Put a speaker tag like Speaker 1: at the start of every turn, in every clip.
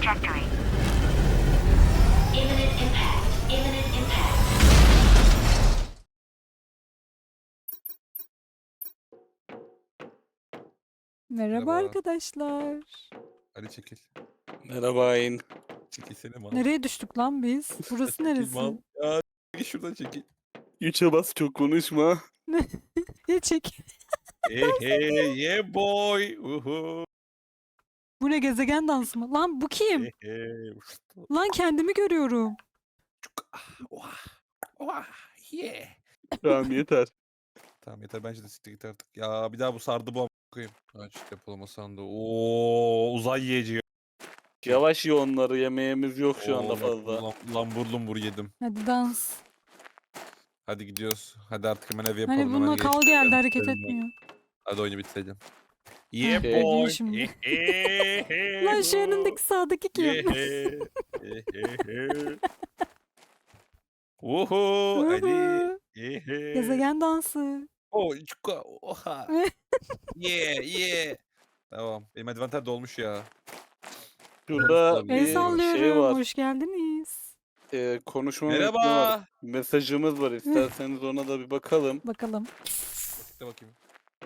Speaker 1: trajectory. Imminent impact. Imminent impact.
Speaker 2: Merhaba
Speaker 3: Merhaba.
Speaker 2: arkadaşlar.
Speaker 3: Hadi çekil.
Speaker 4: Merhaba Ayn.
Speaker 3: Çekilsene mal.
Speaker 2: Nereye düştük lan biz? Burası
Speaker 3: Çekil
Speaker 2: neresi?
Speaker 3: mal. Ya çekil şuradan çekil.
Speaker 4: 3'e bas, çok konuşma.
Speaker 2: Ya çek.
Speaker 3: Yeah boy. Uhu.
Speaker 2: Bu ne, gezegen dansı mı? Lan bu kim? Lan kendimi görüyorum.
Speaker 3: Yeah.
Speaker 4: Tamam yeter.
Speaker 3: Tamam yeter, bence de siktir git artık. Ya bir daha bu sardı bu a** koyayım. Aç depolama sandığı. Oo, uzay yiyeceği.
Speaker 4: Yavaş ye onları, yemeğimiz yok şu anda
Speaker 3: Oo,
Speaker 4: fazla.
Speaker 3: Lambur yedim.
Speaker 2: Hadi dans.
Speaker 3: Hadi gidiyoruz. Hadi artık hemen ev yapalım.
Speaker 2: Hani bununla
Speaker 3: hemen
Speaker 2: kal
Speaker 3: geçelim.
Speaker 2: geldi, hareket
Speaker 3: Bitirelim.
Speaker 2: etmiyor.
Speaker 3: Hadi oyunu bitirelim.
Speaker 2: Heh,
Speaker 3: Yeah
Speaker 4: Şey-
Speaker 3: boy.
Speaker 2: şimdi. Lan şu önündeki sağdaki kim?
Speaker 3: Uhu, hadi.
Speaker 2: Uhu.
Speaker 3: Yehe.
Speaker 2: Gezegen dansı.
Speaker 3: Oh, çuka, oha. Yeah. Tamam. Benim advanter dolmuş ya.
Speaker 4: Şurada
Speaker 3: El
Speaker 2: El
Speaker 4: bir şey
Speaker 2: sallıyorum.
Speaker 4: var.
Speaker 2: Hoş geldiniz.
Speaker 4: Konuşma metni var.
Speaker 3: Merhaba.
Speaker 4: Mesajımız var. İsterseniz ona da bir bakalım.
Speaker 2: Bakalım.
Speaker 3: De bakayım.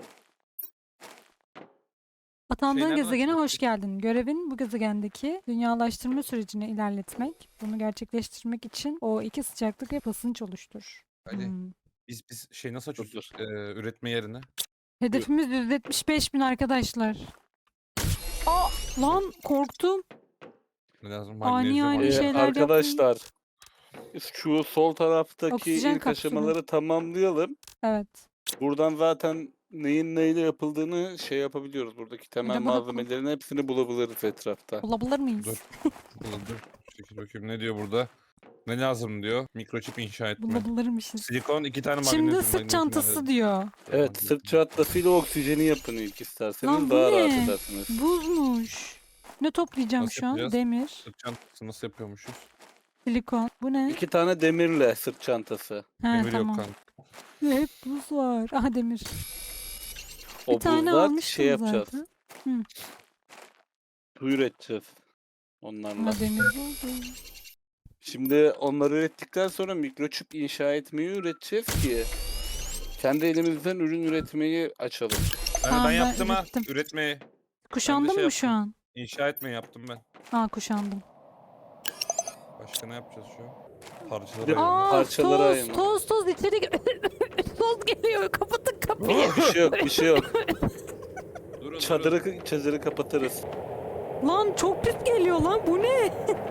Speaker 2: Atandığın
Speaker 3: nereden
Speaker 2: gezegene
Speaker 3: açılıyor?
Speaker 2: hoş geldin. Görevin bu gezegendeki dünyalaştırma sürecini ilerletmek. Bunu gerçekleştirmek için o iki sıcaklık ve basınç oluştur.
Speaker 3: Hadi.
Speaker 2: Hmm.
Speaker 3: Biz şey nasıl
Speaker 4: Dur,
Speaker 3: açıyoruz? Üretme yerine.
Speaker 2: Hedefimiz 175.000 arkadaşlar. Aa, lan korktum.
Speaker 3: Ne lazım?
Speaker 2: Ani
Speaker 3: Magnezyum
Speaker 2: ani
Speaker 3: var.
Speaker 2: şeyler
Speaker 4: Arkadaşlar, şu sol taraftaki
Speaker 2: Oksijen
Speaker 4: ilk
Speaker 2: kapsülü.
Speaker 4: aşamaları tamamlayalım.
Speaker 2: Evet.
Speaker 4: Buradan zaten neyin neyle yapıldığını şey yapabiliyoruz. Buradaki temel
Speaker 2: de bunu
Speaker 4: malzemelerin hepsini bulabiliriz etrafta.
Speaker 2: Bulabilir miyiz?
Speaker 3: Dur. Dur. Çekil bakayım, ne diyor burada? Ne lazım diyor? Mikroçip inşa etme.
Speaker 2: Bulabilirmişiz.
Speaker 3: Silikon 2 tane
Speaker 2: Şimdi
Speaker 3: magnezyum.
Speaker 2: sırt
Speaker 3: magnezyum
Speaker 2: çantası
Speaker 3: lazım.
Speaker 4: Evet,
Speaker 2: diyor.
Speaker 3: Magnezyum.
Speaker 4: sırt çantasıyla oksijeni yapın ilk isterseniz,
Speaker 2: Lan bu
Speaker 4: daha rahat
Speaker 2: ne?
Speaker 4: edersiniz.
Speaker 2: Buzmuş. Ne toplayacağım
Speaker 3: Nasıl
Speaker 2: şu an?
Speaker 3: yapacağız?
Speaker 2: Demir,
Speaker 3: Sırt çantası nasıl yapıyormuşuz?
Speaker 2: silikon. Bu ne?
Speaker 4: 2 tane demirle sırt çantası.
Speaker 2: He,
Speaker 3: Demir yok
Speaker 2: tamam.
Speaker 3: kanka.
Speaker 2: Hep buz var. Aha demir.
Speaker 4: O
Speaker 2: Bir tane
Speaker 4: buzlar
Speaker 2: almıştım
Speaker 4: şey yapacağız.
Speaker 2: zaten.
Speaker 4: Su üreteceğiz onlarla.
Speaker 2: Ha, demir oldu.
Speaker 4: Şimdi onları ürettikten sonra mikroçip inşa etmeyi üreteceğiz ki kendi elimizden ürün üretmeyi açalım.
Speaker 2: Tamam,
Speaker 3: Ben
Speaker 2: ben
Speaker 3: yaptım ha.
Speaker 2: ürettim.
Speaker 3: Üretmeyi.
Speaker 2: Kuşandın
Speaker 3: şey
Speaker 2: mı şu
Speaker 3: yaptım.
Speaker 2: an?
Speaker 3: İnşa etmeyi yaptım ben.
Speaker 2: Aa, kuşandım.
Speaker 3: Başka ne yapacağız şu an? Parçaları
Speaker 4: Bir de-
Speaker 3: ayırmak.
Speaker 2: Aa,
Speaker 4: Parçalara
Speaker 2: toz,
Speaker 4: ayırma.
Speaker 2: toz içeri toz geliyor. Kapatın kapıyı.
Speaker 4: Bir şey yok, bir şey yok.
Speaker 3: Durun,
Speaker 4: Çadırı kapatırız.
Speaker 2: Lan çok pis geliyor lan. Bu ne?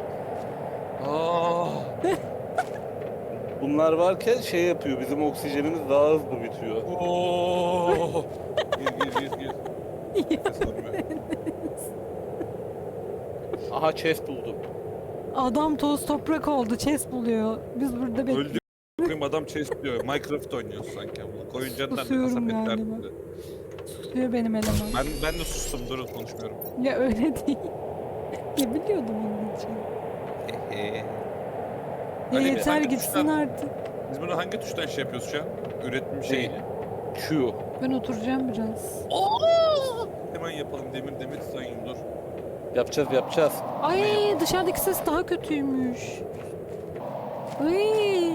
Speaker 3: Aa,
Speaker 4: Bunlar varken şey yapıyor, bizim oksijenimiz daha hızlı bitiyor.
Speaker 3: Oo. Gir. Ses almıyor.
Speaker 4: Aha, chest buldum.
Speaker 2: Adam toz toprak oldu. Chest buluyor. Biz burada bekliyoruz.
Speaker 3: Öldü. Koyayım, adam chest diyor. Minecraft oynuyorsun sanki. Bu oyuncağından ne
Speaker 2: Susuyorum
Speaker 3: kasap
Speaker 2: galiba.
Speaker 3: etler.
Speaker 2: Susuyor benim eleman.
Speaker 3: Ben de sustum, durun konuşmuyorum.
Speaker 2: Ya öyle değil. Ya biliyordum onun için. Ya
Speaker 3: Ali,
Speaker 2: yeter
Speaker 3: hangi
Speaker 2: gitsin
Speaker 3: tuştan-
Speaker 2: artık.
Speaker 3: Biz bunu hangi tuştan şey yapıyoruz şu an? Üretim şeyini.
Speaker 4: Q.
Speaker 2: Ben oturacağım biraz.
Speaker 3: Hemen yapalım, demir sayın, dur.
Speaker 4: Yapacağız.
Speaker 2: Ay, dışarıdaki ses daha kötüymüş. Ay.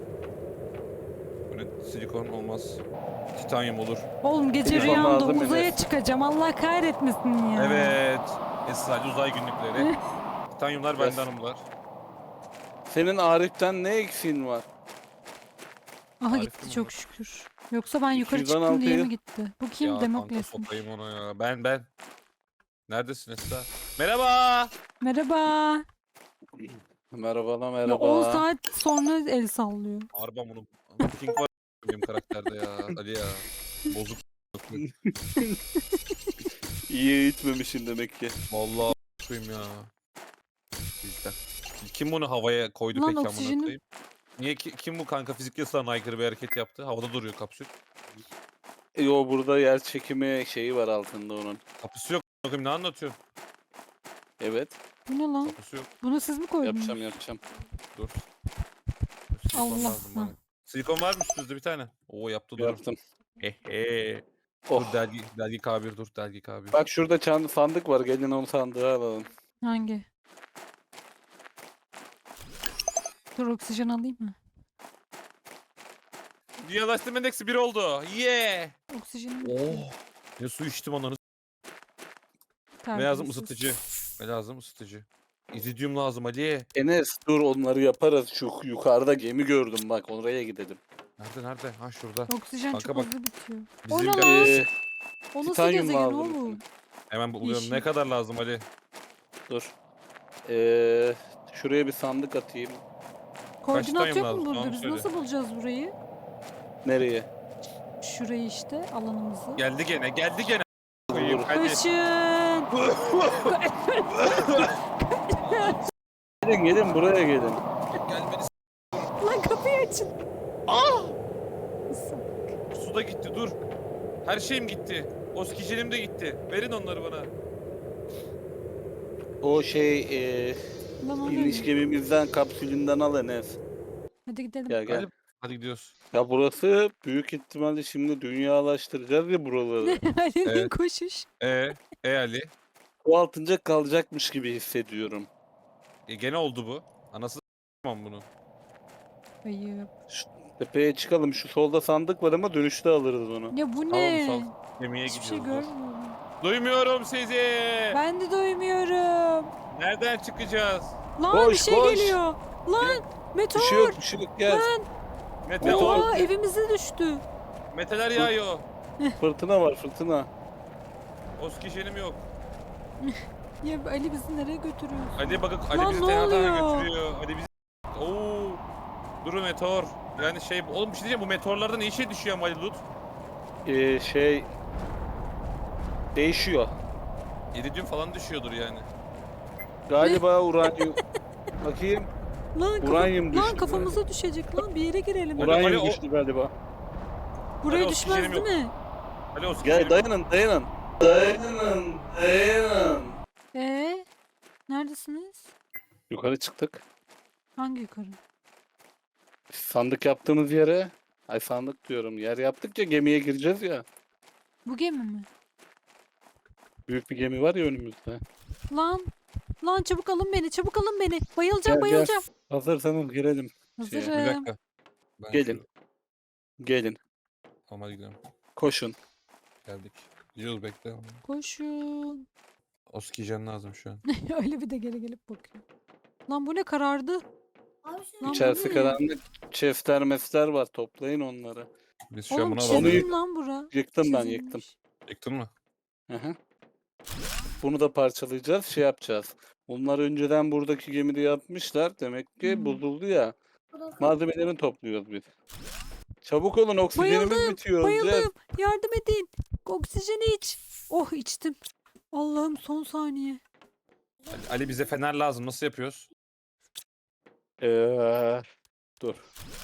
Speaker 3: Bu ne? Silikon olmaz. Titanyum olur.
Speaker 2: Oğlum gece
Speaker 4: Telefon
Speaker 2: rüyamda
Speaker 4: malzemesi.
Speaker 2: uzaya çıkacağım. Allah kahretmesin ya.
Speaker 3: Evet. Sadece uzay günlükleri. Titanyumlar bende,
Speaker 4: Yes.
Speaker 3: hanımlar.
Speaker 4: Senin Arif'ten ne eksiğin var?
Speaker 2: Aha,
Speaker 3: Harika
Speaker 2: gitti
Speaker 3: mı
Speaker 2: çok
Speaker 3: bu?
Speaker 2: şükür. Yoksa ben yukarı
Speaker 4: 216
Speaker 2: çıktım diye mi
Speaker 4: yıl.
Speaker 2: gitti? Bu kim?
Speaker 3: Ya kanka,
Speaker 2: Demokles'miş.
Speaker 3: sokayım ona ya. Ben. Neredesin Esra? Merhaba.
Speaker 2: Merhaba.
Speaker 4: Merhaba.
Speaker 2: Ya 10 saat sonra el sallıyor.
Speaker 3: Harbi bunu. King var benim karakterde ya. Ali ya. Bozuk.
Speaker 4: İyi eğitmemişsin demek ki.
Speaker 3: Vallahi koyayım ya. Bizden. Kim bunu havaya koydu
Speaker 2: Lan
Speaker 3: peki amına
Speaker 2: oksijenim-
Speaker 3: koyayım? Niye kim bu kanka fizik yasasına aykırı bir hareket yaptı? Havada duruyor kapsül.
Speaker 4: Yo, burada yer çekimi şeyi var altında onun.
Speaker 3: Kapısı yok. amına koyayım, ne anlatıyorsun?
Speaker 4: Evet,
Speaker 2: Bu ne lan?
Speaker 3: Kapısı yok.
Speaker 2: Bunu siz mi koydunuz?
Speaker 4: yapacağım.
Speaker 3: Dur. Silikon
Speaker 2: Allah.
Speaker 3: lazım bana. Silikon var mı üstünüzde bir tane? Oo, yaptı, dur.
Speaker 4: Yaptım.
Speaker 3: Hehe.
Speaker 4: Oh.
Speaker 3: Dur, delgi K1 dur, delgi K1.
Speaker 4: Bak şurada sandık var, gelin o sandığı alalım.
Speaker 2: Hangi? Dur oksijen alayım mı?
Speaker 3: Dünyalaştırma endeksi 1 oldu. Yeah.
Speaker 2: Oksijenim
Speaker 3: Oh. Ne su içtim onları. Ne lazım? Isıtıcı. Ne lazım? Isıtıcı. İridium lazım Ali.
Speaker 4: Enes dur onları yaparız. Şu yukarıda gemi gördüm bak oraya gidelim.
Speaker 3: Nerede? Ha şurada.
Speaker 2: Oksijen
Speaker 3: Kanka
Speaker 2: çok
Speaker 3: bak,
Speaker 2: hızlı bitiyor.
Speaker 3: bizim
Speaker 2: O ne
Speaker 3: de-
Speaker 2: lan?
Speaker 4: Ee,
Speaker 2: O nasıl
Speaker 4: titanyum
Speaker 2: gezegen
Speaker 4: lazım
Speaker 2: oğlum?
Speaker 3: Hemen buluyorum.
Speaker 2: Yeşil.
Speaker 3: Ne kadar lazım Ali?
Speaker 4: dur. Şuraya bir sandık atayım.
Speaker 2: Koordinat
Speaker 3: titanyum
Speaker 2: yok mu
Speaker 3: lazım?
Speaker 2: burada?
Speaker 3: Tamam,
Speaker 2: Biz
Speaker 3: söyle.
Speaker 2: nasıl bulacağız burayı?
Speaker 4: Nereye?
Speaker 2: Şurayı işte alanımızı.
Speaker 3: Geldi gene.
Speaker 4: Dur.
Speaker 3: Hadi.
Speaker 2: Koşun.
Speaker 4: Gelin buraya gelin.
Speaker 3: Gelmedi.
Speaker 2: Lan kapıyı açın.
Speaker 3: Su da gitti dur. Her şeyim gitti. Oksijenim de gitti. Verin onları bana.
Speaker 4: O
Speaker 2: Lan o
Speaker 4: iniş
Speaker 2: ne?
Speaker 4: gemimizden kapsülünden al Enes.
Speaker 2: Hadi gidelim.
Speaker 4: Gel gel.
Speaker 3: Hadi gidiyoruz.
Speaker 4: Ya burası büyük ihtimalle şimdi dünyalaştıracağız ya buraları.
Speaker 2: Ali'nin
Speaker 3: Evet.
Speaker 2: koşuş.
Speaker 3: Ali.
Speaker 4: Bu altınca kalacakmış gibi hissediyorum.
Speaker 3: Gene oldu bu. Anası s**mam bunu.
Speaker 2: Ayıp.
Speaker 4: Şu tepeye çıkalım. Şu solda sandık var ama dönüşte alırız onu.
Speaker 2: Ya bu
Speaker 3: Tamam,
Speaker 2: ne?
Speaker 3: sal. Gemiye
Speaker 2: Hiçbir şey
Speaker 3: gidiyoruz. dur.
Speaker 2: görmüyorum.
Speaker 3: Duymuyorum sizi.
Speaker 2: Ben de doymuyorum.
Speaker 3: Nereden çıkacağız?
Speaker 2: Lan bir
Speaker 4: Koş,
Speaker 2: şey
Speaker 4: koş.
Speaker 2: geliyor. Lan meteor.
Speaker 4: Bir şey yok gel.
Speaker 3: Meteor.
Speaker 2: Oha evimize düştü.
Speaker 3: Meteler yağıyor.
Speaker 4: Fırtına var fırtına.
Speaker 3: Oksijenim yok.
Speaker 2: Ya Ali bizi nereye götürüyor?
Speaker 3: Ali bakın
Speaker 2: Lan
Speaker 3: Ali bizi
Speaker 2: ne
Speaker 3: tenha
Speaker 2: oluyor?
Speaker 3: götürüyor. Ali bizi... Oo. Durun meteor. Yani oğlum bir şey diyeceğim bu meteorlardan iyi şey düşüyor ama Ali Lut.
Speaker 4: Değişiyor.
Speaker 3: İridium falan düşüyordur yani.
Speaker 4: Galiba uranyum. Bakayım.
Speaker 2: Lan,
Speaker 4: Uranyum düştü.
Speaker 2: lan kafamıza düşecek lan bir yere girelim.
Speaker 3: Ura- Ali,
Speaker 4: Uranyum
Speaker 3: o-
Speaker 4: düştü galiba.
Speaker 2: Buraya
Speaker 3: Ali,
Speaker 2: düşmez
Speaker 3: oksijenim
Speaker 2: değil
Speaker 3: yok.
Speaker 2: mi?
Speaker 3: Ali oksijenim
Speaker 4: Gel
Speaker 3: yok.
Speaker 4: dayanın. Dayanın.
Speaker 2: Neredesiniz?
Speaker 4: Yukarı çıktık.
Speaker 2: Hangi yukarı?
Speaker 4: Sandık yaptığımız yere. Ay sandık diyorum. Yer yaptıkça gemiye gireceğiz ya.
Speaker 2: Bu gemi mi?
Speaker 4: Büyük bir gemi var ya önümüzde.
Speaker 2: Lan çabuk alın beni çabuk alın beni. Bayılacağım
Speaker 4: Gel,
Speaker 2: bayılacağım.
Speaker 4: Hazırsanız girelim.
Speaker 3: Bir
Speaker 2: Hazırım.
Speaker 3: dakika. Ben
Speaker 4: Gelin. Gelin.
Speaker 3: Tamam hadi gidelim.
Speaker 4: Koşun.
Speaker 3: Geldik. Gidiyoruz bekle.
Speaker 2: Koşun.
Speaker 3: Oksijen lazım şu an.
Speaker 2: Öyle bir de geri gelip bakıyor. Lan bu ne karardı? Lan bu
Speaker 4: İçerisi
Speaker 2: ne?
Speaker 4: karanlık. Chestler mesler var. Toplayın onları.
Speaker 3: Biz şu an
Speaker 2: Oğlum
Speaker 3: buna
Speaker 4: çizim-
Speaker 3: alalım.
Speaker 2: çizdim lan bura.
Speaker 4: Yıktım ben
Speaker 2: Çizilmiş.
Speaker 4: yıktım.
Speaker 3: Yıktın mı?
Speaker 4: Hı hı. Bunu da parçalayacağız. Şey yapacağız. Bunlar önceden buradaki gemide yapmışlar. Demek ki
Speaker 2: Hmm.
Speaker 4: bozuldu ya. Malzemelerini topluyoruz biz. Çabuk olun oksijenimiz bitiyor. öleceğiz.
Speaker 2: Bayıldım. Yardım edin. Oksijeni iç. Oh içtim. Allah'ım son saniye.
Speaker 3: Ali bize fener lazım. Nasıl yapıyoruz?
Speaker 4: Dur.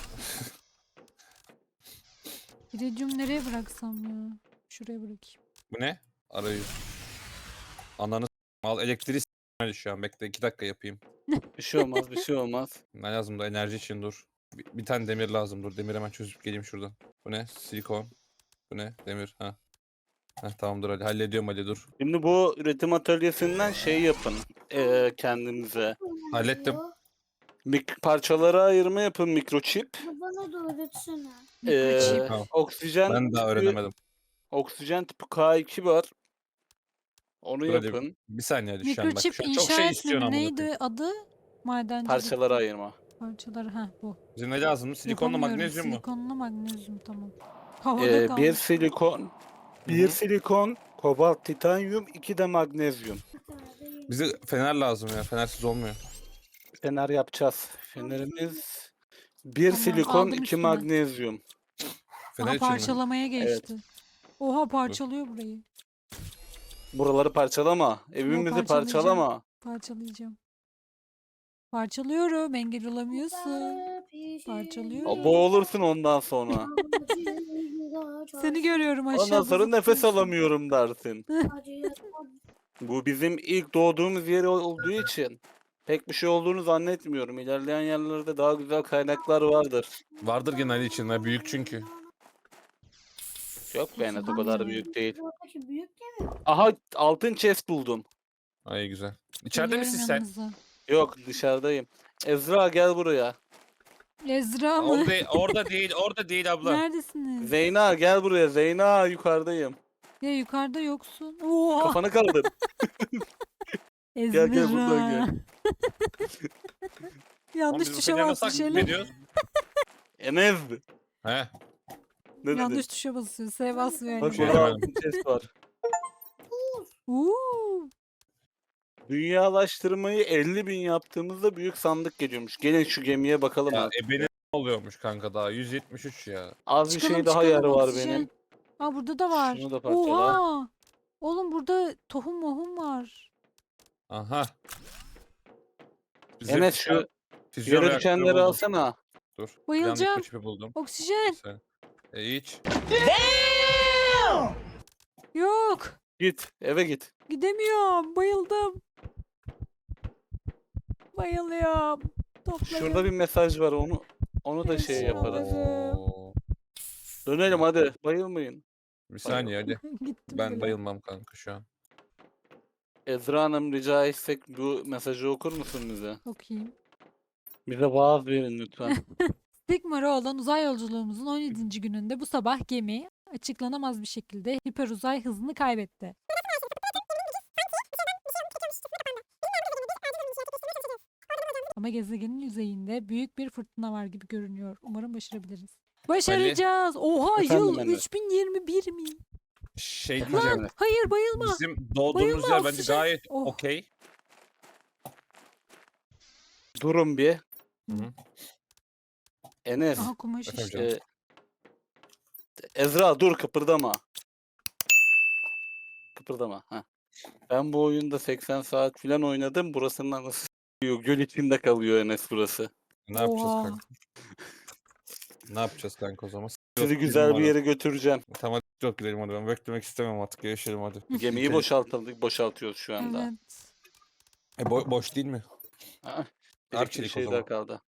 Speaker 2: İridium nereye bıraksam ya? Şuraya bırakayım.
Speaker 3: Bu ne? Arayüz. Ananı al elektriği s**meli şu an. Bekle 2 dakika yapayım.
Speaker 4: Bir şey olmaz bir şey olmaz.
Speaker 3: Ne lazım da enerji için dur. Bir tane demir lazım dur. Demir hemen çözüp geleyim şuradan. Bu ne? Silikon. Bu ne? Demir. Ha. Heh, tamamdır Ali. Hallediyorum Ali dur.
Speaker 4: Şimdi bu üretim atölyesinden şey yapın. Kendinize.
Speaker 3: Hallettim.
Speaker 4: Parçalara ayırma yapın mikroçip.
Speaker 1: Bana da öğretsene.
Speaker 2: Mikroçip.
Speaker 3: Tamam.
Speaker 4: Oksijen
Speaker 3: Ben daha
Speaker 4: tipi-
Speaker 3: öğrenemedim.
Speaker 4: Oksijen tipi K2 var. Onu
Speaker 3: Dur hadi.
Speaker 4: yapın.
Speaker 3: Bir saniye Ali şu an bak.
Speaker 2: Mikroçip
Speaker 3: Şu an
Speaker 2: inşa
Speaker 3: çok şey istiyorsun
Speaker 2: etme mi?
Speaker 3: amına koyayım.
Speaker 2: Neydi adı? Madencilik.
Speaker 4: Parçalara ayırma.
Speaker 2: Parçaları. Ha bu.
Speaker 3: Bize ne lazım? Silikonla
Speaker 2: Yapamıyorum.
Speaker 3: magnezyum mu?
Speaker 2: Silikonla magnezyum tamam. Havada
Speaker 4: Bir
Speaker 2: kalmış.
Speaker 4: silikon.
Speaker 3: Hı hı.
Speaker 4: Silikon, kobalt, titanyum, 2 de magnezyum.
Speaker 3: Bize fener lazım ya. Fenersiz olmuyor.
Speaker 4: Fener yapacağız. Fenerimiz bir
Speaker 2: Tamam,
Speaker 4: silikon,
Speaker 2: aldım
Speaker 4: 2
Speaker 2: üstüne.
Speaker 4: magnezyum.
Speaker 3: Fener
Speaker 2: Aha
Speaker 3: için mi?
Speaker 2: parçalamaya geçti. Oha parçalıyor burayı.
Speaker 4: Buraları parçalama. Evimizi
Speaker 2: parçalayacağım.
Speaker 4: parçalama.
Speaker 2: Parçalayacağım. Parçalıyorum. Engel olamıyorsun. Parçalıyorum.
Speaker 4: Boğulursun ondan sonra.
Speaker 2: Seni görüyorum aşağıda.
Speaker 4: Ondan sonra nefes
Speaker 2: zıplıyorsun.
Speaker 4: alamıyorum dersin. Bu bizim ilk doğduğumuz yer olduğu için pek bir şey olduğunu zannetmiyorum. İlerleyen yerlerde daha güzel kaynaklar vardır.
Speaker 3: Vardır gene Ali için. Ha, büyük çünkü.
Speaker 4: Yok be Enes o kadar büyük değil.
Speaker 1: Buradaki büyük gemi.
Speaker 4: Aha altın chest buldum.
Speaker 3: Ay güzel. İçeride
Speaker 2: Geliyorum
Speaker 3: misin sen?
Speaker 2: yanınıza.
Speaker 4: Yok dışarıdayım. Ezra gel buraya.
Speaker 2: Ezra mı?
Speaker 3: Orada değil abla.
Speaker 2: Neredesiniz?
Speaker 4: Zeyna gel buraya. Zeyna yukarıdayım.
Speaker 2: Ya yukarıda yoksun. Oha!
Speaker 4: Kafanı kaldır.
Speaker 2: Ezra.
Speaker 4: gel buradan gel.
Speaker 2: Yanlış
Speaker 3: Oğlum,
Speaker 2: tuşa
Speaker 3: biz
Speaker 2: bastı
Speaker 3: nasıl
Speaker 2: şeyler.
Speaker 3: gidiyoruz?
Speaker 4: Enes.
Speaker 3: He.
Speaker 4: Ne
Speaker 2: Yanlış
Speaker 4: dedin?
Speaker 2: tuşa basıyor. S basmıyor.
Speaker 4: Bak
Speaker 3: Şey
Speaker 2: elimde.
Speaker 4: burada
Speaker 3: demedim.
Speaker 4: altın chest var.
Speaker 2: Uuu.
Speaker 4: Dünyalaştırmayı 50.000 yaptığımızda büyük sandık geliyormuş. Gelin şu gemiye bakalım
Speaker 3: Ya
Speaker 4: abi.
Speaker 3: benim oluyormuş kanka daha 173 ya.
Speaker 4: Az bir
Speaker 2: Çıkalım,
Speaker 4: şey daha
Speaker 2: çıkalım,
Speaker 4: yer var
Speaker 2: oksijen.
Speaker 4: benim.
Speaker 2: Aa burada da var.
Speaker 4: Şunu da parçala.
Speaker 2: Oha! Oğlum burada tohum mohum var.
Speaker 3: Aha. Bizim
Speaker 4: Enes şu
Speaker 3: füzyon
Speaker 4: yere
Speaker 3: reaktörü
Speaker 4: düşenleri
Speaker 3: buldum.
Speaker 4: alsana.
Speaker 3: Dur.
Speaker 2: Bayılacağım.
Speaker 3: Yanlış çipi buldum.
Speaker 2: Oksijen.
Speaker 3: Sen. İç.
Speaker 2: Yok.
Speaker 4: Git eve git.
Speaker 2: Gidemiyorum. Bayıldım. Bayılıyorum. Toplayın.
Speaker 4: Şurada bir mesaj var onu da şey
Speaker 2: Neyse,
Speaker 4: yaparız.
Speaker 2: alırım.
Speaker 3: Oo.
Speaker 4: Dönelim hadi. Bayılmayın.
Speaker 3: Bir saniye hadi.
Speaker 2: Gittim
Speaker 3: Ben
Speaker 2: bile.
Speaker 3: bayılmam kanka şu an.
Speaker 4: Ezra Hanım rica etsek bu mesajı okur musun bize?
Speaker 2: Okuyayım.
Speaker 4: Bize vaaz verin lütfen.
Speaker 2: Stigmara olan uzay yolculuğumuzun 17. gününde bu sabah gemi açıklanamaz bir şekilde hiperuzay hızını kaybetti. Ama gezegenin yüzeyinde büyük bir fırtına var gibi görünüyor. Umarım başarabiliriz. Başaracağız. Oha
Speaker 4: Efendim
Speaker 2: yıl
Speaker 4: Emre?
Speaker 2: 3021 mi?
Speaker 3: Şey
Speaker 4: Efendim
Speaker 3: diyeceğim.
Speaker 4: Emre?
Speaker 2: Hayır bayılma.
Speaker 3: Bizim doğduğumuz
Speaker 2: Bayılma,
Speaker 3: yer bence
Speaker 2: oksijen.
Speaker 3: gayet
Speaker 2: Oh.
Speaker 3: okey.
Speaker 4: Durun bir.
Speaker 3: Hı hı.
Speaker 4: Enes.
Speaker 2: Aha kumaş
Speaker 3: Efendim
Speaker 2: işte.
Speaker 3: canım.
Speaker 4: Ezra dur kıpırdama. Kıpırdama. Ha. Ben bu oyunda 80 saat falan oynadım. Burasının anası s***yor. Göl içinde kalıyor Enes burası.
Speaker 3: Ne yapacağız
Speaker 2: Oha.
Speaker 3: kanka? Ne yapacağız kanka o zaman?
Speaker 4: Sizi güzel bir yere götüreceğim.
Speaker 3: Tamam hadi yok gidelim hadi ben beklemek istemem artık yaşayalım hadi.
Speaker 4: Gemiyi boşaltıyoruz şu anda.
Speaker 2: Evet.
Speaker 3: Boş değil mi?
Speaker 4: Ha? Bir
Speaker 3: Arçelik o
Speaker 4: şey
Speaker 3: zaman.
Speaker 4: daha kaldı.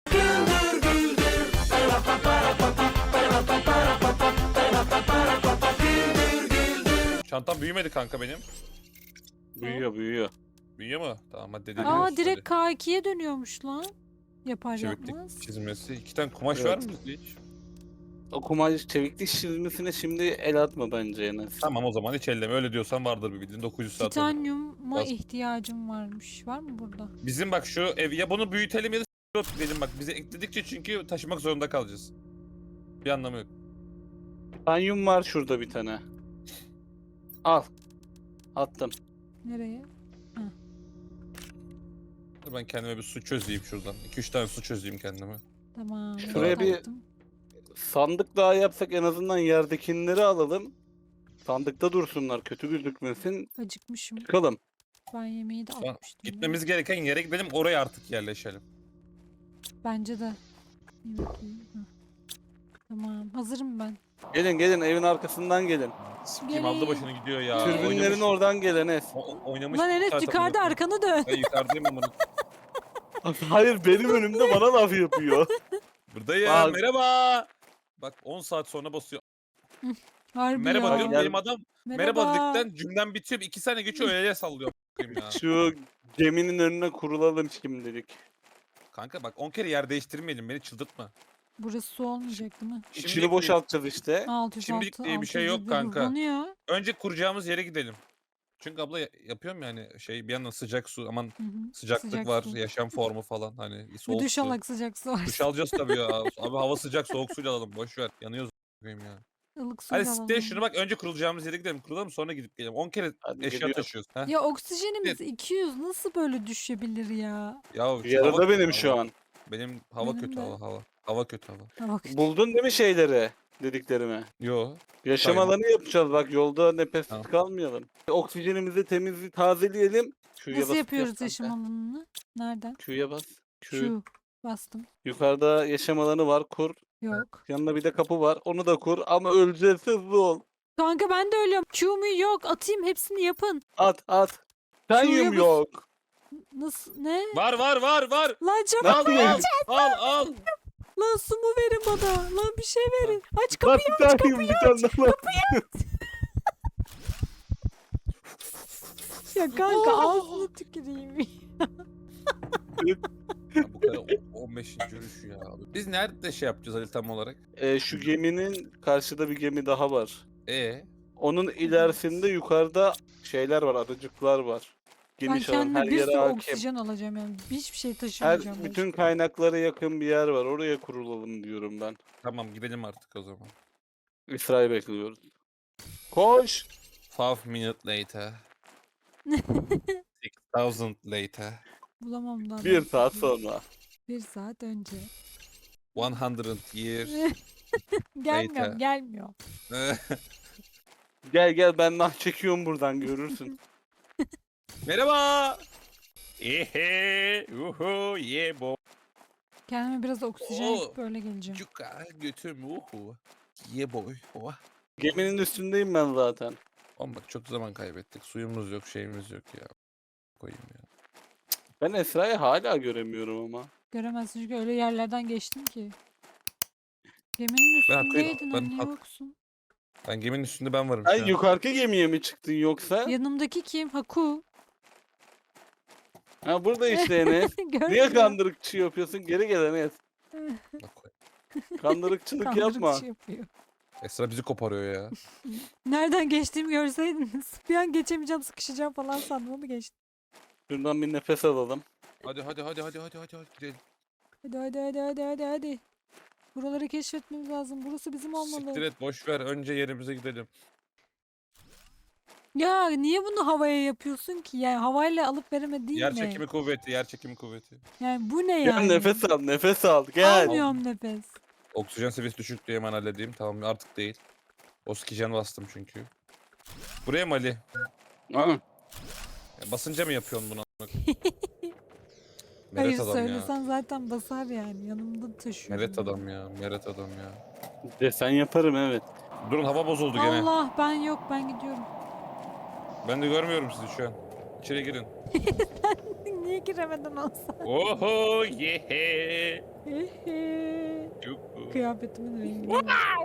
Speaker 3: Çantam büyümedi kanka benim.
Speaker 4: Büyüyor büyüyor.
Speaker 3: Büyüyor mu? Tamam hadi dedim.
Speaker 2: Aa direkt K2'ye dönüyormuş lan. Yapar
Speaker 3: Çeviklik
Speaker 2: yapmaz.
Speaker 3: çizmesi. 2 tane kumaş
Speaker 4: Evet.
Speaker 3: var mı bizde hiç?
Speaker 4: O kumaş çeviklik çizmesine şimdi el atma bence Enes.
Speaker 3: Tamam o zaman hiç elleme. Öyle diyorsan vardır bir bildiğin 900 saat oldu.
Speaker 2: Titanyuma
Speaker 3: Bas.
Speaker 2: ihtiyacım varmış. Var mı burada?
Speaker 3: Bizim bak şu ev ya bunu büyütelim ya da s**t dedim bak bize ekledikçe çünkü taşımak zorunda kalacağız. Bir anlamı yok.
Speaker 4: Titanyum var şurada bir tane. Al. Attım.
Speaker 2: Nereye?
Speaker 3: Dur ben kendime bir su çözeyim şuradan. 2-3 tane su çözeyim kendime.
Speaker 2: Tamam.
Speaker 4: Şuraya
Speaker 2: not
Speaker 4: bir-
Speaker 2: attım.
Speaker 4: Sandık daha yapsak en azından yerdekileri alalım. Sandıkta dursunlar kötü gözükmesin.
Speaker 2: Acıkmışım.
Speaker 4: Çıkalım.
Speaker 2: Ben yemeği de
Speaker 3: Tamam,
Speaker 2: atmıştım.
Speaker 3: Gitmemiz gereken yere gidelim oraya artık yerleşelim.
Speaker 2: Bence de. Bir bakayım. Heh. Tamam. Hazırım ben.
Speaker 4: Gelin evin arkasından gelin.
Speaker 3: Kim aldı başını gidiyor ya.
Speaker 4: Türbinlerin
Speaker 3: Oynamış-
Speaker 4: oradan gel Enes.
Speaker 3: oynamış.
Speaker 2: Lan
Speaker 3: bir
Speaker 2: Enes
Speaker 3: saat
Speaker 2: yukarıda
Speaker 3: amına
Speaker 2: arkanı dön.
Speaker 3: koyayım. Ben yukarıdayım amına.
Speaker 4: Hayır benim önümde bana laf yapıyor.
Speaker 3: Buradayım.
Speaker 4: Bak.
Speaker 3: Merhaba. Bak 10 saat sonra basıyor.
Speaker 2: Harbi
Speaker 3: Merhaba
Speaker 2: ya.
Speaker 3: diyorum
Speaker 4: Gel.
Speaker 3: benim adam. Merhaba dedikten cümlem bitiyor. 2 sene geçiyor öyle sallıyor. a**ayım ya.
Speaker 4: Şu geminin önüne kurulalım şimdilik.
Speaker 3: Kanka bak 10 kere yer değiştirmeyelim beni çıldırtma.
Speaker 2: Burası su olmayacak değil mi?
Speaker 4: İçini boşaltacağız işte.
Speaker 2: 606,
Speaker 3: Şimdilik diye bir şey yok
Speaker 2: 601
Speaker 3: kanka.
Speaker 2: hızlanıyor.
Speaker 3: Önce kuracağımız yere gidelim. Çünkü abla yapıyorum yani şey bir yandan sıcak su aman
Speaker 2: Hı hı.
Speaker 3: sıcaklık
Speaker 2: Sıcak
Speaker 3: var
Speaker 2: su.
Speaker 3: yaşam formu falan hani
Speaker 2: Bir
Speaker 3: soğuk
Speaker 2: duş
Speaker 3: su.
Speaker 2: alak sıcak su var.
Speaker 3: Duş alacağız tabii ya. Abi hava sıcak soğuk suyla alalım boş ver yanıyoruz a**ayım ya.
Speaker 2: Ilık suyla
Speaker 3: Hadi
Speaker 2: alalım.
Speaker 3: site şunu bak önce kurulacağımız yere gidelim kuralım sonra gidip gelelim. 10 kere
Speaker 4: Hadi
Speaker 3: eşya
Speaker 4: geliyorum.
Speaker 3: taşıyoruz. Heh.
Speaker 2: Ya oksijenimiz 200 nasıl böyle düşebilir ya?
Speaker 3: Ya şu hava
Speaker 4: Yarıda
Speaker 3: kötü
Speaker 4: benim
Speaker 3: hava.
Speaker 4: şu an.
Speaker 3: Benim hava
Speaker 2: Benim
Speaker 3: kötü
Speaker 2: de.
Speaker 3: hava. Hava kötü hava.
Speaker 2: Ha bak.
Speaker 4: Buldun değil mi şeyleri? Dediklerimi.
Speaker 3: Yo.
Speaker 4: Yaşam
Speaker 3: Sayın.
Speaker 4: alanı yapacağız bak yolda nefessiz
Speaker 3: Tamam.
Speaker 4: kalmayalım. Oksijenimizi temiz tazeleyelim. Q'ya
Speaker 2: Nasıl
Speaker 4: basıp
Speaker 2: yapıyoruz
Speaker 4: yap
Speaker 2: yaşam
Speaker 4: kanka.
Speaker 2: alanını? Nereden?
Speaker 4: Q'ya bas. Q.
Speaker 2: Şu. Bastım.
Speaker 4: Yukarıda yaşam alanı var kur.
Speaker 2: Yok.
Speaker 4: Yanında bir de kapı var. Onu da kur ama öleceğiz hızlı ol.
Speaker 2: Kanka ben de ölüyorum. Q mu yok. Atayım hepsini yapın.
Speaker 4: At. Titanyum
Speaker 2: bas.
Speaker 4: yok.
Speaker 2: Nasıl? Ne?
Speaker 3: Var.
Speaker 2: Lan çabuk.
Speaker 3: Al al.
Speaker 2: Lan su mu verin bana? Lan bir şey verin. Aç
Speaker 4: Lan
Speaker 2: kapıyı.
Speaker 4: titanyum bir tane daha var.
Speaker 2: Ya kanka ağzını tüküreyim.
Speaker 3: Ya bu kadar 15. yürüyüş ya. Biz nerede şey yapacağız Ali tam olarak?
Speaker 4: Şu geminin karşıda bir gemi daha var.
Speaker 3: E
Speaker 4: Onun ilerisinde yukarıda şeyler var, adacıklar var.
Speaker 2: Ben
Speaker 4: Geniş alan,
Speaker 2: kendime
Speaker 4: her
Speaker 2: bir
Speaker 4: yere
Speaker 2: sürü
Speaker 4: hakim.
Speaker 2: oksijen alacağım yani. Hiçbir şey taşımayacağım.
Speaker 4: Bütün kaynaklara yakın bir yer var. Oraya kurulalım diyorum ben.
Speaker 3: tamam gidelim artık o zaman.
Speaker 4: İsrail bekliyoruz. Koş!
Speaker 3: 5 minutes later. 6000 later.
Speaker 2: Bulamam daha.
Speaker 4: Bir saat sonra.
Speaker 2: 1 saat önce.
Speaker 3: 100 years.
Speaker 2: Gelmiyorum,
Speaker 3: Later.
Speaker 2: gelmiyor.
Speaker 4: Gel gel, ben nah çekiyorum buradan, görürsün.
Speaker 3: Merhaba. Ehe. Uhu. Yeah boy.
Speaker 2: Kendime biraz oksijen
Speaker 3: Oo.
Speaker 2: yapıp öyle geleceğim.
Speaker 3: Cuka götüm. Uhu. Yeah boy. Oh.
Speaker 4: Geminin üstündeyim ben zaten.
Speaker 3: Oğlum bak çok zaman kaybettik. Suyumuz yok, şeyimiz yok ya. Koyayım ya.
Speaker 4: Ben Esra'yı hala göremiyorum ama.
Speaker 2: Göremezsin çünkü öyle yerlerden geçtim ki. Geminin
Speaker 3: Ben haklıyım,
Speaker 2: üstündeydin,
Speaker 3: ben
Speaker 2: anne
Speaker 3: hak-
Speaker 2: yoksun.
Speaker 3: Ben geminin üstünde ben varım
Speaker 4: Sen
Speaker 3: şu an.
Speaker 4: yukarı gemiye mi çıktın yoksa?
Speaker 2: Yanımdaki kim? Haku.
Speaker 4: Ha, burada işte Enes. Niye
Speaker 2: Görmüyor.
Speaker 4: kandırıkçı yapıyorsun? Geri gel Enes.
Speaker 3: Bak, koy.
Speaker 4: Kandırıkçılık yapma.
Speaker 2: Kandırıkçı yapıyor.
Speaker 3: Esra bizi koparıyor ya.
Speaker 2: Nereden geçtiğimi görseydiniz. Bir an geçemeyeceğim, sıkışacağım falan sandım, onu geçtim.
Speaker 4: Şuradan bir nefes alalım.
Speaker 3: Hadi gidelim.
Speaker 2: Hadi. Buraları keşfetmemiz lazım. Burası bizim olmalı.
Speaker 3: Siktir et boş ver önce yerimize gidelim.
Speaker 2: Ya niye bunu havaya yapıyorsun ki? Yani havayla alıp veremediğin
Speaker 3: Yer
Speaker 2: ne?
Speaker 3: çekimi kuvveti, yer çekimi kuvveti.
Speaker 2: Yani bu ne
Speaker 4: Gel
Speaker 2: yani?
Speaker 4: nefes al, nefes al. Gel.
Speaker 2: Almıyorum nefes.
Speaker 3: Oksijen seviyesi düşük diye hemen halledeyim. Tamam artık değil. Oksijen bastım çünkü. Buraya mı Ali?
Speaker 4: Ha,
Speaker 3: Ya basınca mı yapıyorsun bunu?
Speaker 2: Hayır
Speaker 3: Meret adam ya.
Speaker 2: söylesen zaten basar yani. Yanımda taşıyorum.
Speaker 3: Meret adam ya. Meret adam ya.
Speaker 4: desen yaparım, evet.
Speaker 3: Durun hava bozuldu gene.
Speaker 2: Allah ben yok, ben gidiyorum.
Speaker 3: Ben de görmüyorum sizi şu an. İçeri girin.
Speaker 2: Niye giremeden olsa?
Speaker 3: Oho yehe. Çok.
Speaker 2: Kıyafetimin rengi.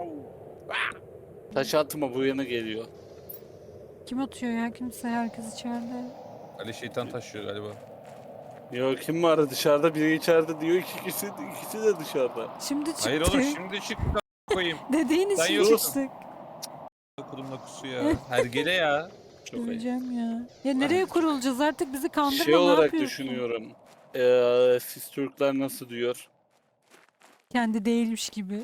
Speaker 4: Taş atma, bu yana geliyor.
Speaker 2: Kim atıyor ya? Kimse, herkes içeride.
Speaker 3: Ali şeytan taşıyor galiba.
Speaker 4: Ya kim var dışarıda, biri içeride diyor, ikisi de dışarıda.
Speaker 2: Şimdi çıktık.
Speaker 3: Hayır oğlum şimdi çıktı koyayım.
Speaker 2: Dediğin
Speaker 3: Sen
Speaker 2: için
Speaker 3: yoksun.
Speaker 2: çıktık.
Speaker 3: Okulumda kusu ya. Hergele ya.
Speaker 4: Çok ayıp.
Speaker 2: Göreceğim ya. Ya nereye kurulacağız artık, bizi kandırma,
Speaker 4: Şey
Speaker 2: ne
Speaker 4: olarak
Speaker 2: yapıyorsun?
Speaker 4: düşünüyorum. Siz Türkler nasıl diyor?
Speaker 2: Kendi değilmiş gibi.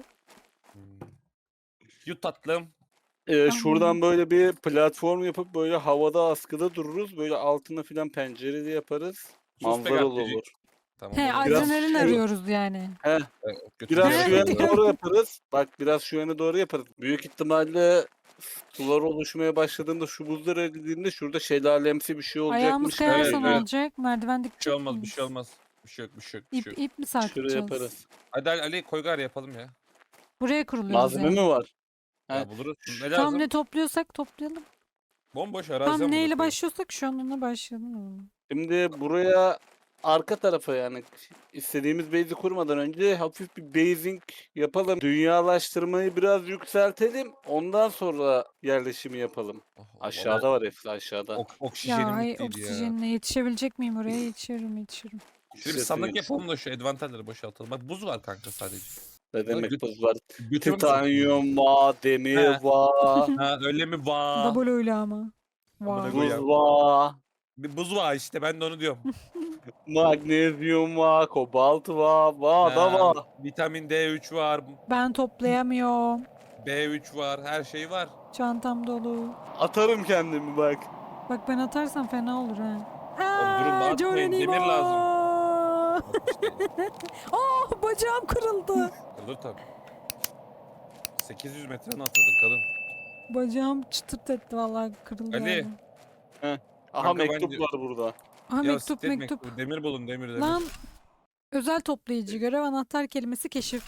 Speaker 3: Yut tatlım.
Speaker 4: Şuradan böyle bir platform yapıp böyle havada askıda dururuz. Böyle altına filan pencereli yaparız.
Speaker 3: Sus be
Speaker 4: Manzaralı
Speaker 3: gazeteci.
Speaker 4: olur.
Speaker 3: Tamam.
Speaker 2: He,
Speaker 3: oğlum.
Speaker 4: Biraz
Speaker 2: adrenalin
Speaker 4: şey-
Speaker 2: arıyoruz yani.
Speaker 4: Biraz
Speaker 2: Evet,
Speaker 4: şu yana
Speaker 2: evet.
Speaker 4: doğru yaparız. Bak biraz şu yana doğru yaparız. Büyük ihtimalle sular oluşmaya başladığında, şu buzlar eridiğinde şurada şelalemsi bir şey
Speaker 2: Ayağımız
Speaker 4: olacakmış.
Speaker 2: kayarsa
Speaker 3: Evet,
Speaker 2: ne
Speaker 3: evet.
Speaker 2: olacak? Merdiven
Speaker 3: Bir
Speaker 2: dikkat
Speaker 3: şey olmaz, bir şey olmaz. Bir şey yok, bir şey yok, bir şey
Speaker 2: İp,
Speaker 3: yok.
Speaker 2: ip mi
Speaker 4: Şuraya
Speaker 2: sarkacağız?
Speaker 4: yaparız.
Speaker 3: Hadi Ali koy gari yapalım ya.
Speaker 2: Buraya kuruluyoruz
Speaker 4: Malzeme
Speaker 2: yani.
Speaker 4: mi var?
Speaker 3: Ya
Speaker 4: Ha.
Speaker 3: buluruz. Ne
Speaker 2: Tam
Speaker 3: lazım?
Speaker 2: ne topluyorsak toplayalım.
Speaker 3: Bomboş arazi
Speaker 2: Tam
Speaker 3: ama
Speaker 2: neyle
Speaker 3: burası.
Speaker 2: başlıyorsak şu an ona başlayalım.
Speaker 4: Şimdi buraya arka tarafa, yani istediğimiz base'i kurmadan önce hafif bir basing yapalım. Dünyalaştırmayı biraz yükseltelim. Ondan sonra yerleşimi yapalım.
Speaker 3: Oh,
Speaker 4: Aşağıda var, hepsi aşağıda.
Speaker 2: Ya
Speaker 3: Oksijenim
Speaker 2: ay,
Speaker 3: bittiydi ya.
Speaker 2: oksijenle yetişebilecek miyim oraya? Yetişirim.
Speaker 3: Şöyle bir sandık yapalım da şu advantajları boşaltalım. Bak buz var kanka sadece.
Speaker 4: Ne demek
Speaker 3: Göt-
Speaker 4: buz var?
Speaker 3: Götüme mi
Speaker 4: Titanyum var, demir
Speaker 3: He.
Speaker 4: var,
Speaker 3: soktun? Ha öyle mi var?
Speaker 2: Double öyle ama.
Speaker 3: Amına
Speaker 2: Wow.
Speaker 3: koyayım.
Speaker 4: buz var,
Speaker 3: Bir buz var işte ben de onu diyorum.
Speaker 4: magnezyum var, kobalt var da
Speaker 3: Ha,
Speaker 4: var.
Speaker 3: Vitamin D3 var.
Speaker 2: Ben toplayamıyorum.
Speaker 3: B3 var. Her şey var.
Speaker 2: Çantam dolu.
Speaker 4: Atarım kendimi bak.
Speaker 2: Bak ben atarsam fena olur ha.
Speaker 3: Oğlum durun,
Speaker 2: Ha,
Speaker 3: atmayın, demir
Speaker 2: Geronimo!
Speaker 3: Bak işte.
Speaker 2: Oh, bacağım kırıldı.
Speaker 3: Dur tabii. 800 metre mi atladın kadın?
Speaker 2: Bacağım çıtırt etti vallahi, kırıldı.
Speaker 3: Ali.
Speaker 2: yani.
Speaker 4: Aha
Speaker 3: Kanka ben
Speaker 4: mektup
Speaker 3: de-
Speaker 4: var burada.
Speaker 2: Aha,
Speaker 3: Ya
Speaker 2: mektup
Speaker 3: siktir
Speaker 2: mektup.
Speaker 3: Demir bulun demir.
Speaker 2: Lan, özel toplayıcı görev, anahtar kelimesi keşif.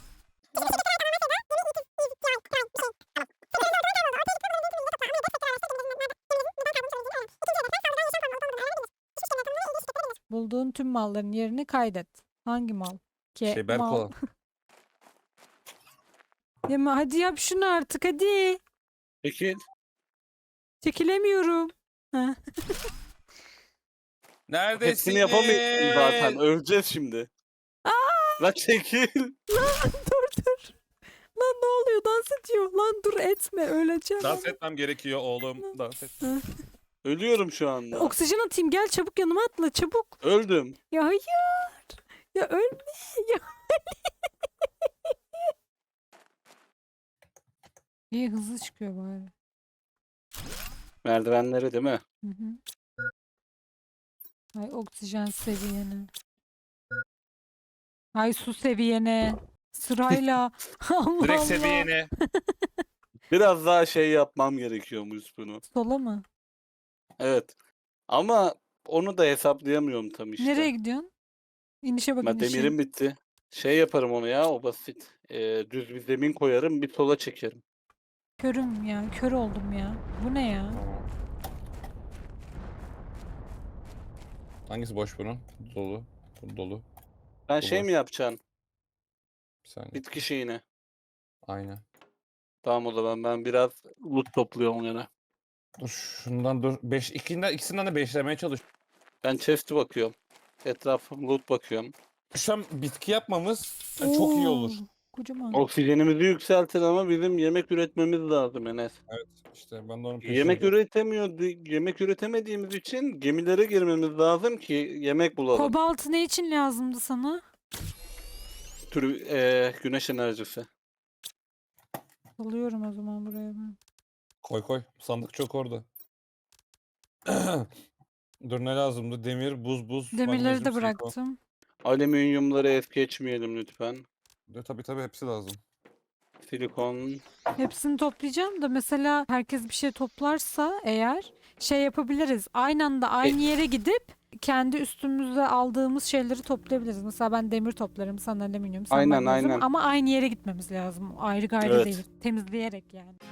Speaker 2: Bulduğun tüm malların yerini kaydet. Hangi mal?
Speaker 3: Şey Berk
Speaker 2: mal.
Speaker 3: olan.
Speaker 2: Ya hadi yap şunu artık, hadi.
Speaker 4: Peki
Speaker 2: Çekilemiyorum. Ha.
Speaker 3: Neredesiniz?
Speaker 4: hepsini yapamayız zaten. Öleceğiz şimdi. La çekil.
Speaker 2: Dur. Lan ne oluyor? Dans ediyor. Lan dur etme öleceğim.
Speaker 3: Dans etmem gerekiyor oğlum. Dans et.
Speaker 4: Ölüyorum şu anda.
Speaker 2: Oksijen atayım gel çabuk yanıma atla çabuk.
Speaker 4: Öldüm.
Speaker 2: Ya hayır. Ya ölme. Ya. İyi hızlı çıkıyor bari.
Speaker 4: Merdivenleri değil mi?
Speaker 2: Hı hı. Ay oksijen seviyene. Ay su seviyene. Sırayla. Allah
Speaker 3: Direkt
Speaker 2: Allah.
Speaker 3: seviyene.
Speaker 4: Biraz daha şey yapmam gerekiyormuş bunu.
Speaker 2: Sola mı?
Speaker 4: Evet. Ama onu da hesaplayamıyorum tam işte.
Speaker 2: Nereye gidiyorsun? İnişe bak
Speaker 4: Ben
Speaker 2: inişe.
Speaker 4: demirim bitti. Şey yaparım onu ya, o basit. Düz bir zemin koyarım, bir sola çekerim.
Speaker 2: Körüm ya. Kör oldum ya. Bu ne ya?
Speaker 3: Tamam. Hangisi boş bunun? Dolu. Bu dolu.
Speaker 4: Sen
Speaker 3: Bu
Speaker 4: şey
Speaker 3: boş.
Speaker 4: mi yapacaksın?
Speaker 3: Bir saniye.
Speaker 4: Bitki şeyini.
Speaker 3: Aynen.
Speaker 4: Tamam, o zaman ben biraz loot topluyorum gene.
Speaker 3: Dur şundan dur. İkisinden de beşlemeye çalış.
Speaker 4: Ben chest'e bakıyorum. Etrafım loot bakıyorum.
Speaker 3: Şu an bitki yapmamız çok iyi olur.
Speaker 2: Oo, kocaman.
Speaker 4: Oksijenimizi yükseltin ama bizim yemek üretmemiz lazım Enes.
Speaker 3: Evet işte ben de onun
Speaker 4: Yemek üretemediğimiz için gemilere girmemiz lazım ki yemek bulalım.
Speaker 2: Kobalt ne için lazımdı sana?
Speaker 4: Güneş enerjisi.
Speaker 2: Alıyorum o zaman buraya ben.
Speaker 3: Koy. Sandık çok orada. Dur ne lazımdı? Demir, buz,
Speaker 2: Demirleri
Speaker 3: magnezyum,
Speaker 2: de
Speaker 3: silikon.
Speaker 2: bıraktım.
Speaker 4: Alüminyumları es geçmeyelim lütfen.
Speaker 3: Tabii hepsi lazım.
Speaker 4: Silikon.
Speaker 2: Hepsini toplayacağım da mesela herkes bir şey toplarsa eğer şey yapabiliriz. Aynı anda aynı yere gidip kendi üstümüze aldığımız şeyleri toplayabiliriz. Mesela ben demir toplarım, sen alüminyum, sen
Speaker 4: Aynen,
Speaker 2: magnezyum
Speaker 4: aynen.
Speaker 2: ama aynı yere gitmemiz lazım. Ayrı gayrı
Speaker 4: Evet.
Speaker 2: değil. Temizleyerek yani.